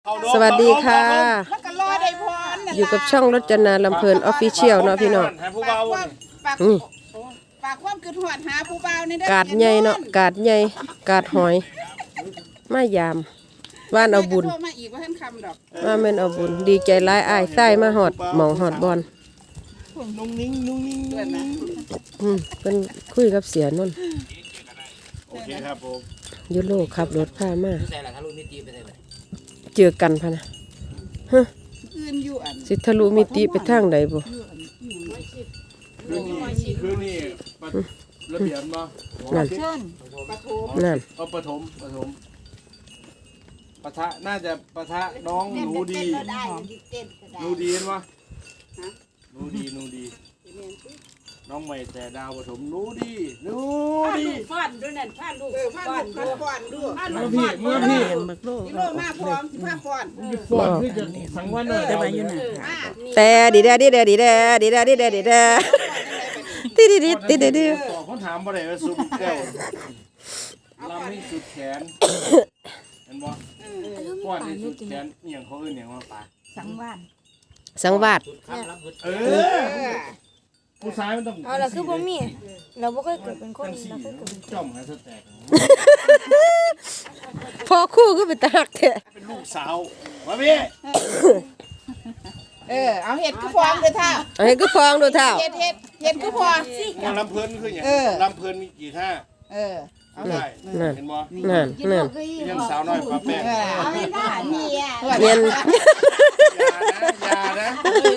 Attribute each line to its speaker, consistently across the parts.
Speaker 1: สวัสดีค่ะอยู่กับช่องรจนาลำเพลินออฟฟิเชียลเนาะพี่น้อง
Speaker 2: ฝากความคิดฮอดหาผู้บ่าวนี่เด้อก
Speaker 1: าดใหญ่เนาะกาดใหญ่กาดหอยมายามว่านเอาบุญ
Speaker 2: มาอีกว่าท่านคำดอก
Speaker 1: ว่าแม่นเอาบุญดีใจหลายอ้ายไส้มาหอดหมองหอดบอล
Speaker 3: นุ่งนิ่ง
Speaker 2: ด้วยนะ
Speaker 1: เป็นคุยกับเสียนนท์
Speaker 3: โอเคครับผม
Speaker 1: ยุโรขับรถพามาเจอกันพะนะฮะ
Speaker 2: อื่นอยู่อัน
Speaker 1: สิทะลุมิติไปทางใดบ่
Speaker 3: คือนี่ระเบียบมา
Speaker 1: นั่น
Speaker 2: ปฐม
Speaker 1: นั่น
Speaker 3: ปฐมปะทะน่าจะปะทะน้องหนูดีหนูดีเห็นปะหนูดีน้องใหม่แต่ดาวปฐมหนูดี
Speaker 2: ฟ้อนด้วยนั่นฟ้อนลูกฟ้อนดู
Speaker 3: เมื่อพี่
Speaker 2: กิโลมาพร้อมสิพาฟ้อน
Speaker 3: ฟอนคือจะสังวันเลยได้ไหมอยู่น่ะ
Speaker 1: แต่ดีแดติดิดิติดิดิ
Speaker 3: เขาถามบ่ได้ว่าซุปแก้วลำนี่สุดแขนเห็นบ่ฟ้อนนี่สุดแขนเอียงเขาเอิ้นหยังว่าปะ
Speaker 1: สังวาส
Speaker 3: ผู้ชายมันต้อง
Speaker 4: เอาล่ะคือบ่มีเราบ่เคยเกิดเป็นคนเราเคยเกิดเป็นคน
Speaker 3: จ้อมให้สแตก
Speaker 1: พอคู่ก็เป็นตาหักแท้
Speaker 3: เป็นลูกสาวมาพี่
Speaker 2: เอาเห็ดคือฟองเด้อท่า
Speaker 1: เอาให้ก็ฟองดูเท่า
Speaker 2: เห็ดคือฟอง
Speaker 3: ลำเพลินคืออย่างลำเพลินมีกี่ท่าเอาได้เห็นบ่
Speaker 1: นั่น
Speaker 3: ยังสาวน้อยปลาแป้ง
Speaker 2: เอาไม่ได้นี่อ่ะ
Speaker 1: เย็น
Speaker 3: อย่านะ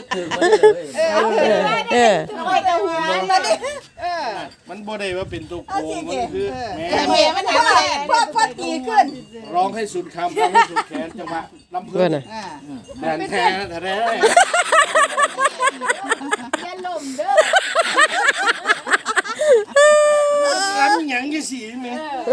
Speaker 2: เอาแต่หัวมาดิ
Speaker 3: มันบ่ได้ว่าเป็นตัวโกงมันคือแม่
Speaker 2: แม่มันทำอะไรพอตีขึ้น
Speaker 3: ร้องให้สุดคำร้องให้สุดแขนจังหวะลำเพลิ
Speaker 1: เพื่อน นน่ะ
Speaker 3: แดนแท้แท้
Speaker 2: อย่าล้มเด้อ
Speaker 3: ลำหยังยี่สีแม่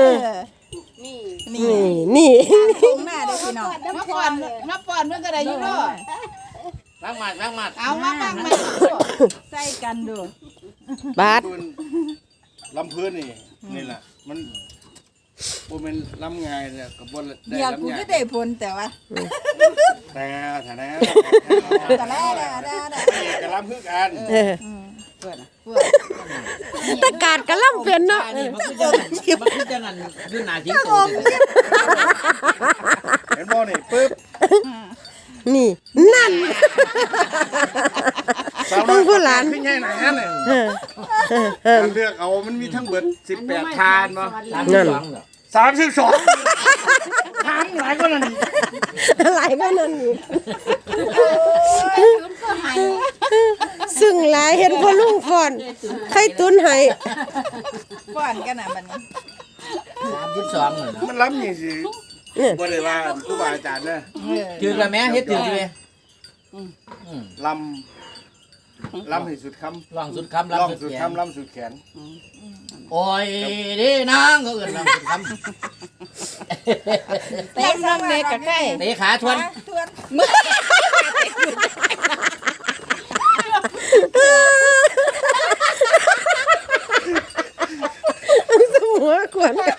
Speaker 1: นี่
Speaker 4: ตรงหน้าเด้อพี่น้อง
Speaker 2: มาป้อนเมื่อก็ได้อยู่เนาะ
Speaker 3: ล้างหมัด
Speaker 2: เอามาบ้างมา
Speaker 4: ใส่กันดู
Speaker 1: บาด
Speaker 3: ลำเพลินนี่แหละมันบ่แม่นลำง่ายเนี่ยก็บ่ได้
Speaker 4: เดี๋ยว
Speaker 3: ลำ
Speaker 4: กู
Speaker 3: ง่าย
Speaker 4: ก็ได้ผลแต่ว่า
Speaker 3: แต่แท้
Speaker 4: แต่ละ
Speaker 3: ก็ลำคือกัน
Speaker 1: ตะกาดกะล่ำเป็นเนาะ
Speaker 5: มันคือจังอันคือหน้าทิ้งโต
Speaker 3: เห็นบ่นี่ปึ๊บ
Speaker 1: นี่นั่น
Speaker 3: ต้องผู้หลานขึ้นใหญ่หนาเนี่ยเลือกเอามันมีทั้งเบิด18ทานบ่
Speaker 1: นั่น
Speaker 3: 32ทานหลายกว่านั้นอีก
Speaker 1: หลายก็นั่นนี่ซึ่งหลายเห็นพ่อลุงฟอนไข่ตุนให้
Speaker 4: ป้อนกันน่ะบัดนี้
Speaker 5: 32เลยนะ
Speaker 3: มันล้ำอย่างสิบ่ได้ว่าครูบาอาจารย์นะ
Speaker 5: ถือละแม่เฮ็ดถือดิ
Speaker 3: ลำให้สุดคำ
Speaker 5: ลองสุดคำ
Speaker 3: ล่อง
Speaker 5: ลำ
Speaker 3: สุ
Speaker 5: สุ
Speaker 3: ด
Speaker 5: ดแขน
Speaker 3: คำลำสุดแขน
Speaker 5: โอ้ยดินางเขาเอิ้นลำสุดคำ
Speaker 4: เตะน้ำเล็กกับไก่
Speaker 5: เตะขาทวน
Speaker 4: ทวน
Speaker 1: หัวขวนกัน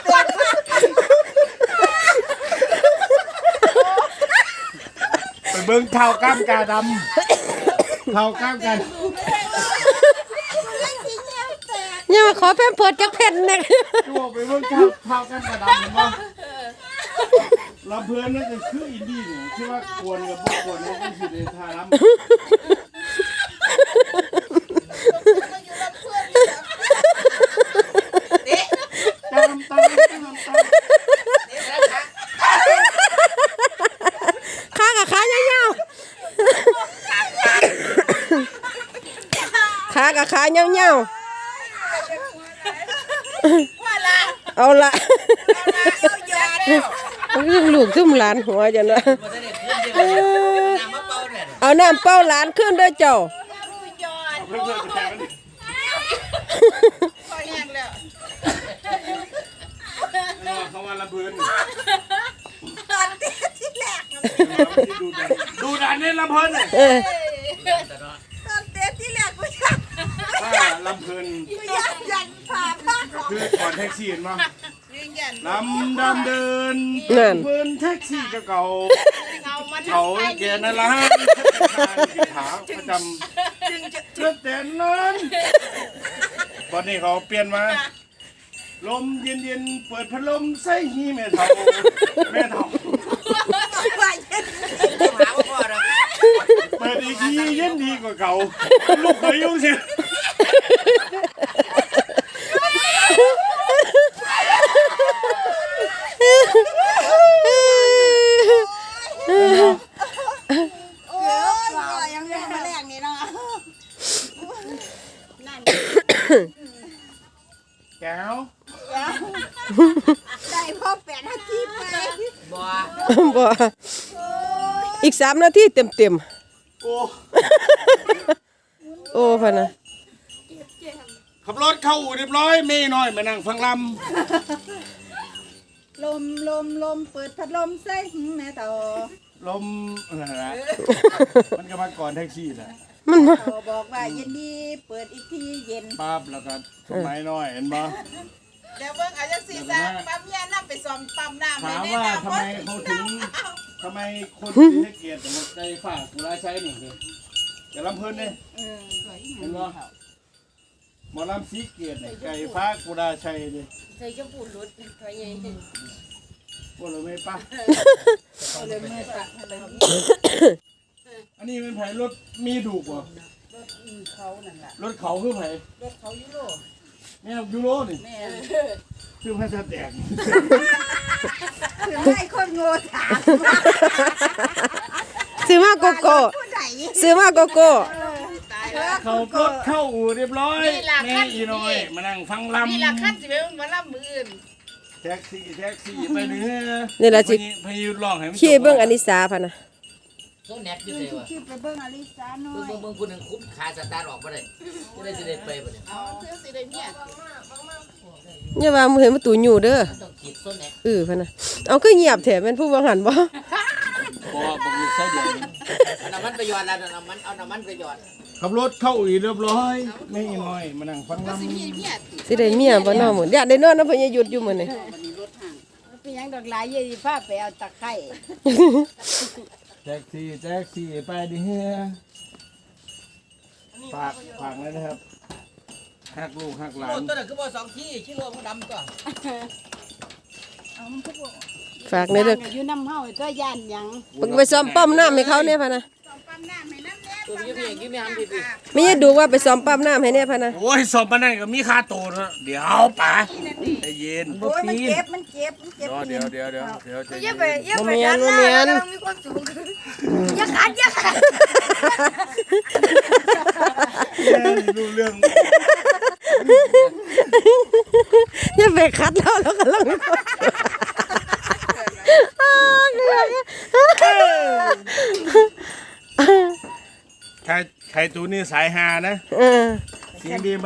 Speaker 3: ไปเบิ่งเท้าก้ามกาดำเท้าก้ามกา
Speaker 1: อย่ามาขอแพมเพิร์ดจักเพ็นนะ
Speaker 3: ตัวไปเบิ่งเท้าก้ามกาดำเห็นบ่ลำเพื่อนนั่นก็คืออินดี้เนี่ยที่ว่ากวนกับบ่กวนเนี่ยคือสิได้ท่าลำ
Speaker 1: ขากับขาเงาขากับขาเงาเอาละลูกซุ่มหลานหัวจังนะเอาน้ำเป้าหลานขึ้นด้วยเจ้า
Speaker 3: เพื่อนๆจะแข่งกันดิ
Speaker 2: พอแห้งแล้ว
Speaker 3: เขาว่าลำเพื่อน
Speaker 4: ตอนเตะที่แรก
Speaker 3: ดูดันนี่ลำเพื่อน
Speaker 4: ตอนเตะที่แรกกูอยาก
Speaker 3: ถ้าลำเพื่อน
Speaker 4: ผ่าบ้าน
Speaker 3: คือก่อนแท็กซี่เห็นมั้ย
Speaker 2: ยืนยัน
Speaker 3: ลำดำเดิน
Speaker 1: นั่น
Speaker 3: เพื่อนแท็กซี่เก่า
Speaker 2: เอามา
Speaker 3: เขาแกนั่นละที่ถามประจำเชื่อแต่นั้นวันนี้เขาเปลี่ยนมาลมเย็นๆเปิดพัดลมใส่หีแม่เฒ่าเปิดอีกทีเย็นดีกว่าเก่าลูกเคยยุ่งสิ
Speaker 4: ยังไม่มาแรงนี่เนาะ
Speaker 3: แก้ว
Speaker 4: ได้พอ8 นาทีไป
Speaker 5: บ่
Speaker 1: บ่อีก3 นาทีเต็ม
Speaker 3: โอ้
Speaker 1: ๆโอ้พะนะ
Speaker 3: ขับรถเข้าอู่เรียบร้อยไม่น้อยมานั่งฟังล
Speaker 4: ลมเปิดพัดลมใส่แม่เต่า
Speaker 3: ำลมอะไรนะมันก็มาก่อนแท็กซี่แหละ
Speaker 1: มันมา
Speaker 4: เขาบอกว่าเย็นดีเปิดอีกทีเย็น
Speaker 3: ปั๊บแล้วก็สมัยน้อยเห็นบ่
Speaker 2: เดี๋ยวเบิ่งอาจจะสิซะปั๊มยาน้ำไปซ่อมปั๊มน้ำ
Speaker 3: ถาม
Speaker 2: ใน
Speaker 3: ว่า
Speaker 2: น้ำ
Speaker 3: ทำไมเขาถึงทำไมคนถึงให้เกียรติหัวใจฝากกุลาใช้นี่คืออย่าลำเพิ่นเนี่ยเห็นบ่หมอลำสีเกียรติเนี่ยไก่ฟ้ากุลาชัยเลย
Speaker 2: ใส่จะปูดรถไปใหญ่
Speaker 3: พวกเราไม่ป้า
Speaker 2: เลยมือตักเลย
Speaker 3: อันนี้เป็นไผรถมีดูกบ่
Speaker 2: เขานั่นล่ะ
Speaker 3: รถเขาคือไผ
Speaker 2: รถเขายุโรป
Speaker 3: แม่ยูโรนี่
Speaker 2: แม่
Speaker 3: ชื่อพระแตก
Speaker 4: ถึงให้คนโง่ถาม
Speaker 1: ซื้อมาโกโก้
Speaker 4: ผู้ใด
Speaker 1: ซื้อมาโกโก้
Speaker 2: ตายแล้ว
Speaker 3: เขารถเข้าอู่เรียบร้อยแม่อีน้อยมานั่งฟังลำ
Speaker 2: นี่ล่ะคันสิไปมาล่ำมืออื่น
Speaker 3: แท็กซี่ไปเนื้อ
Speaker 1: นี่ล่ะสิ
Speaker 3: พายุร้องให้มัน
Speaker 1: ขี่เบิ่งอนิสาพะนะ
Speaker 5: โซแน็กอยู่ไสวะ
Speaker 4: คิดไปเบิ่งอลิซาหน่อย
Speaker 5: เบิ่งผู้หนึงคุบขาสตาร์ทออกบ่ได้จะได้สิได้ไปบ่เนี่ย
Speaker 2: เอาเพื่อสิได้เนี่ย
Speaker 1: อย่าว่ามึงเห็นประตูอยู่เด้อ
Speaker 5: มันต้องขีดโซแน็ก
Speaker 1: พะนะเอาคือเงียบแท้แม่นผู้บ่หันบ่
Speaker 3: บ่บอกลูกใส่เดียว
Speaker 5: เอาน้ำมันไปหยอดแล้วเอาน้ำมันไปหยอด
Speaker 3: ขับรถเข้าอู่เรียบร้อยแม่อีน้อยมานั่งฟังลำ
Speaker 2: มีเนี่ย
Speaker 1: สิได้เมียบ่เนาะหมื้ออยากได้นอนนำเพิ่นอย่าหยุดอยู่มื้อนี้
Speaker 2: เป็นยังดอกหลายเยี่ผ้าไปเอาตะไคร้
Speaker 3: แท็กซี่ไปดิเฮียฝากเลยนะครับหักลูกหักหลา
Speaker 5: โอ้
Speaker 3: น
Speaker 5: ตัวนั้นคือบ่2ที่ชิโร่มันดำตัว
Speaker 1: ฝากในเด้อ
Speaker 2: อยู่น้ำเฮาตัวย่านหยัง
Speaker 1: ไปซ่อมปั๊มน้ำให้เขาเนี่ยพะนะ
Speaker 2: ปั๊มน้ำให้น้ำแน่
Speaker 5: ตัวนี้พี่ยังกินไม่ทำพี่
Speaker 1: ไม่ได้ดูว่าไปซ่อมปั๊มน้ำให้เนี่ยพะนะ
Speaker 3: โอ้ยสอบมานั่นก็มีค่าโตนะเดี๋ยวป่าใจเย็น
Speaker 4: โอ้ยมันเจ็บ
Speaker 3: เดี๋ยวใจเย็น
Speaker 1: บ่แม่นบ่แม่น
Speaker 4: อย่าขัด
Speaker 3: รู้เรื่อง
Speaker 1: อย่าไปคัดแล้วแล้วก็ลัง
Speaker 3: ใครตูนี่สายฮานะเสียงดีไหม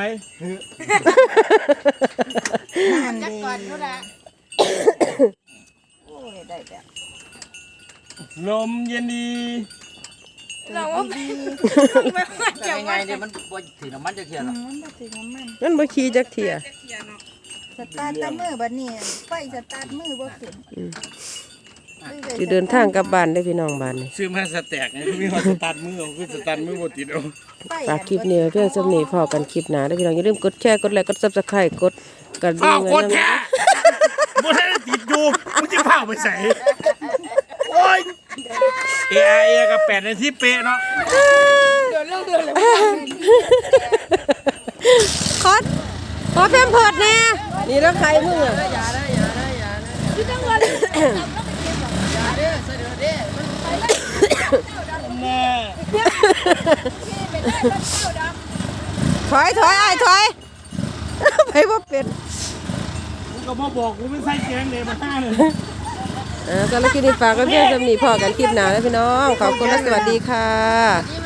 Speaker 2: จักก่อนเขาละ
Speaker 4: โอ้ยได้แบบ
Speaker 3: ลมเย็นดี
Speaker 2: เราว่า
Speaker 5: แต่ยังไงเนี่ยมันบ่ถือน้ำมันจะเขียนหรอ
Speaker 4: มันบ่ถึงน้ำมัน
Speaker 1: มันบ่ขี่จักเที่ย
Speaker 4: สตาร์ทแต่มือบัดนี้ไฟสตาร์ทมือบ่ขึ้น
Speaker 1: สิเดินทางกลับบ้านได้อพี่น้องบ้านนี่
Speaker 3: ซื้อมาสแต็กไงมีฮอตสตาร์ทมือคือสตาร์ทมือบ่ติดเอา
Speaker 1: ฝากคลิปนี้ไว้เพียงสำนี้พอกันคลิปหน้าเด้อพี่น้องอย่าลืมกดแชร์กดไลค์กด Subscribe กดกระดิ่
Speaker 3: อ้าง ว
Speaker 1: ไว้
Speaker 3: กด
Speaker 1: นำ
Speaker 3: แท้บ่ได้ติดอยู่มึงจะพาไปใส่โอ้ยเอกับ8 นาทีเป๊ะเนาะ
Speaker 1: ขอแพมเพิร์ดแน่นี่แล้วใครมึงอ่ะ
Speaker 3: แม่
Speaker 1: ถอยอ้ายถอย ไปบ่เป็น
Speaker 3: มึงก็มาบอกกูไม่ใส่แกงเลยมาห้าเลย
Speaker 1: สำหรับคลิปนี้ฝากกันเพียงสำนี้พอกันคลิปหน้าแล้วพี่น้องขอบคุณและสวัสดีค่ะ
Speaker 2: นี่